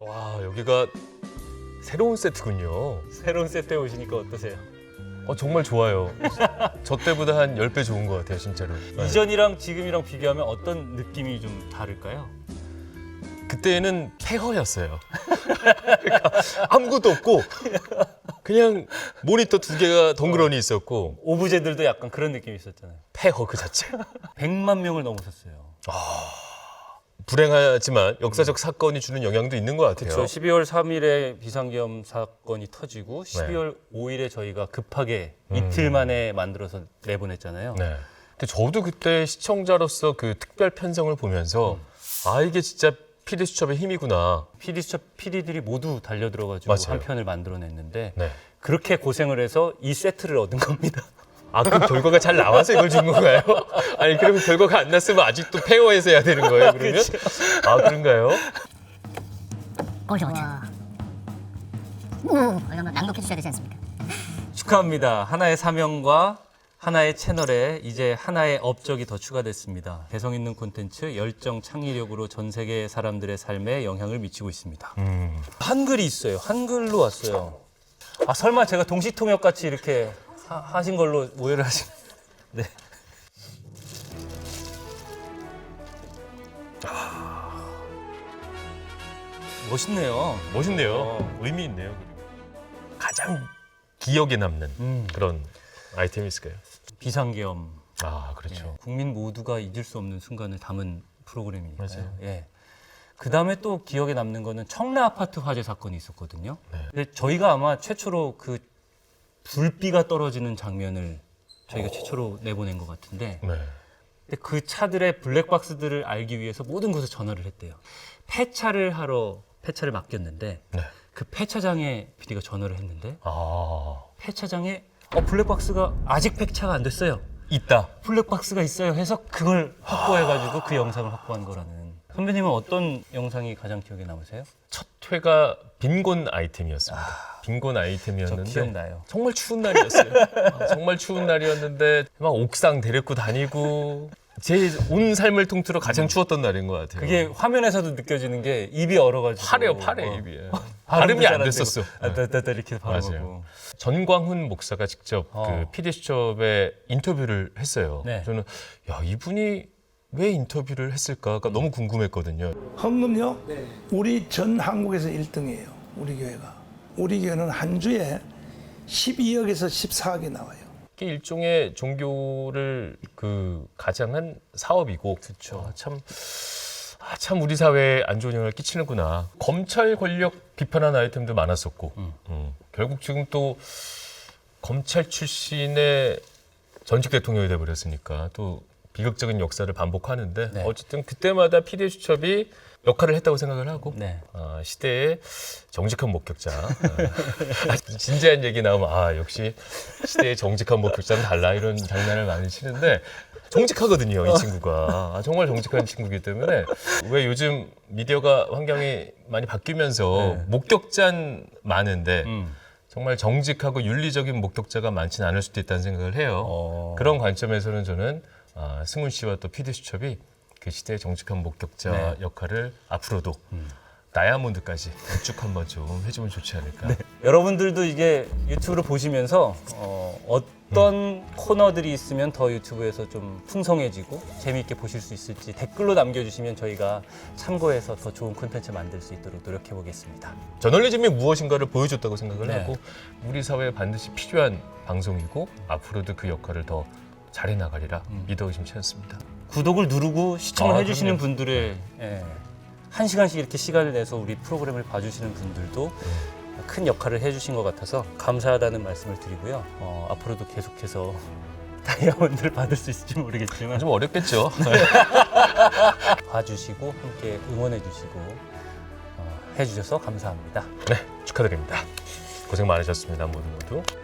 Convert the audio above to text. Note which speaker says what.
Speaker 1: 와, 여기가 새로운 세트군요.
Speaker 2: 새로운 세트에 오시니까 어떠세요?
Speaker 1: 정말 좋아요. 저 때보다 한 10배 좋은 것 같아요, 진짜로. 네.
Speaker 2: 이전이랑 지금이랑 비교하면 어떤 느낌이 좀 다를까요?
Speaker 1: 그때는 폐허였어요. 그러니까 아무것도 없고 그냥 모니터 2개가 덩그러니 있었고
Speaker 2: 오브제들도 약간 그런 느낌이 있었잖아요.
Speaker 1: 폐허 그 자체.
Speaker 2: 100만 명을 넘으셨어요.
Speaker 1: 불행하지만 역사적 사건이 주는 영향도 있는 것 같아요.
Speaker 2: 그렇죠. 12월 3일에 비상계엄 사건이 터지고 12월 5일에 저희가 급하게 이틀 만에 만들어서 내보냈잖아요.
Speaker 1: 네. 근데 저도 그때 시청자로서 그 특별 편성을 보면서 이게 진짜 PD 수첩의 힘이구나.
Speaker 2: PD 수첩 PD들이 모두 달려들어가지고
Speaker 1: 맞아요.
Speaker 2: 한 편을 만들어냈는데
Speaker 1: 네.
Speaker 2: 그렇게 고생을 해서 이 세트를 얻은 겁니다.
Speaker 1: 그 결과가 잘 나와서 이걸 준 건가요? 아니, 그러면 결과가 안 났으면 아직도 폐허해서 해야 되는 거예요, 그러면? 그런가요?
Speaker 3: 좋죠. 이러면 낭독해 주셔야 되지 않습니까?
Speaker 2: 축하합니다. 하나의 사명과 하나의 채널에 이제 하나의 업적이 더 추가됐습니다. 개성 있는 콘텐츠, 열정, 창의력으로 전 세계 사람들의 삶에 영향을 미치고 있습니다. 한글이 있어요. 한글로 왔어요. 설마 제가 동시통역 같이 이렇게 하신 걸로 오해를 하신? 네. 멋있네요.
Speaker 1: 멋있네요. 의미 있네요. 가장 기억에 남는 그런 아이템이 있을까요?
Speaker 2: 비상계엄.
Speaker 1: 그렇죠.
Speaker 2: 국민 모두가 잊을 수 없는 순간을 담은 프로그램이니까요.
Speaker 1: 맞아요.
Speaker 2: 예. 그 다음에 또 기억에 남는 거는 청라 아파트 화재 사건이 있었거든요.
Speaker 1: 네.
Speaker 2: 근데 저희가 아마 최초로 그 불비가 떨어지는 장면을 저희가 최초로 내보낸 것 같은데,
Speaker 1: 네.
Speaker 2: 근데 그 차들의 블랙박스들을 알기 위해서 모든 곳에 전화를 했대요. 폐차를 맡겼는데
Speaker 1: 네.
Speaker 2: 그 폐차장에 PD가 전화를 했는데
Speaker 1: 아,
Speaker 2: 폐차장에 블랙박스가 아직 폐차가 안 됐어요.
Speaker 1: 있다.
Speaker 2: 블랙박스가 있어요 해서 그걸 확보해가지고 그 영상을 확보한 거라는. 선배님은 어떤 영상이 가장 기억에 남으세요?
Speaker 1: 첫 회가 빈곤 아이템이었습니다. 빈곤 아이템이었는데
Speaker 2: 저 기억나요.
Speaker 1: 정말 추운 날이었어요. 정말 추운 날이었는데 막 옥상 데리고 다니고 제 온 삶을 통틀어 가장 추웠던 날인 것 같아요.
Speaker 2: 그게 화면에서도 느껴지는 게 입이 얼어가지고
Speaker 1: 파래 입이.
Speaker 2: 발음도
Speaker 1: 발음이
Speaker 2: 잘
Speaker 1: 안 됐었어.
Speaker 2: 따따따 이렇게 발음하고.
Speaker 1: 맞아요. 전광훈 목사가 직접 그 PD 수첩에 인터뷰를 했어요.
Speaker 2: 네.
Speaker 1: 저는 이분이 왜 인터뷰를 했을까가 너무 궁금했거든요.
Speaker 4: 헌금요? 우리 전 한국에서 1등이에요. 우리 교회가. 우리 교회는 한 주에 12억에서 14억이 나와요.
Speaker 1: 이게 일종의 종교를 가장한 사업이고,
Speaker 2: 그쵸.
Speaker 1: 참 우리 사회에 안 좋은 영향을 끼치는구나. 검찰 권력 비판한 아이템도 많았었고, 결국 지금 또 검찰 출신의 전직 대통령이 돼버렸으니까 또 비극적인 역사를 반복하는데
Speaker 2: 네.
Speaker 1: 어쨌든 그때마다 PD 수첩이 역할을 했다고 생각을 하고
Speaker 2: 네.
Speaker 1: 시대의 정직한 목격자. 진지한 얘기 나오면 역시 시대의 정직한 목격자는 달라 이런 장난을 많이 치는데 정직하거든요, 이 친구가. 정말 정직한 친구이기 때문에 왜 요즘 미디어가 환경이 많이 바뀌면서 목격자는 많은데 정말 정직하고 윤리적인 목격자가 많지는 않을 수도 있다는 생각을 해요. 그런 관점에서는 저는 승훈 씨와 또 PD 수첩이 그 시대의 정직한 목격자 역할을 앞으로도 다이아몬드까지 쭉 한번 좀 해주면 좋지 않을까.
Speaker 2: 여러분들도 이게 유튜브를 보시면서 어떤 코너들이 있으면 더 유튜브에서 좀 풍성해지고 재미있게 보실 수 있을지 댓글로 남겨주시면 저희가 참고해서 더 좋은 콘텐츠 만들 수 있도록 노력해 보겠습니다.
Speaker 1: 저널리즘이 무엇인가를 보여줬다고 생각을
Speaker 2: 네.
Speaker 1: 하고 우리 사회에 반드시 필요한 방송이고 앞으로도 그 역할을 더 잘해 나가리라 믿어 의심치 않습니다.
Speaker 2: 구독을 누르고 시청을 해주시는
Speaker 1: 그럼요.
Speaker 2: 분들의 1시간씩 이렇게 시간을 내서 우리 프로그램을 봐주시는 분들도 큰 역할을 해주신 것 같아서 감사하다는 말씀을 드리고요. 앞으로도 계속해서 다이아몬드를 받을 수 있을지 모르겠지만
Speaker 1: 좀 어렵겠죠.
Speaker 2: 봐주시고 함께 응원해주시고 해주셔서 감사합니다.
Speaker 1: 네, 축하드립니다. 고생 많으셨습니다, 모두.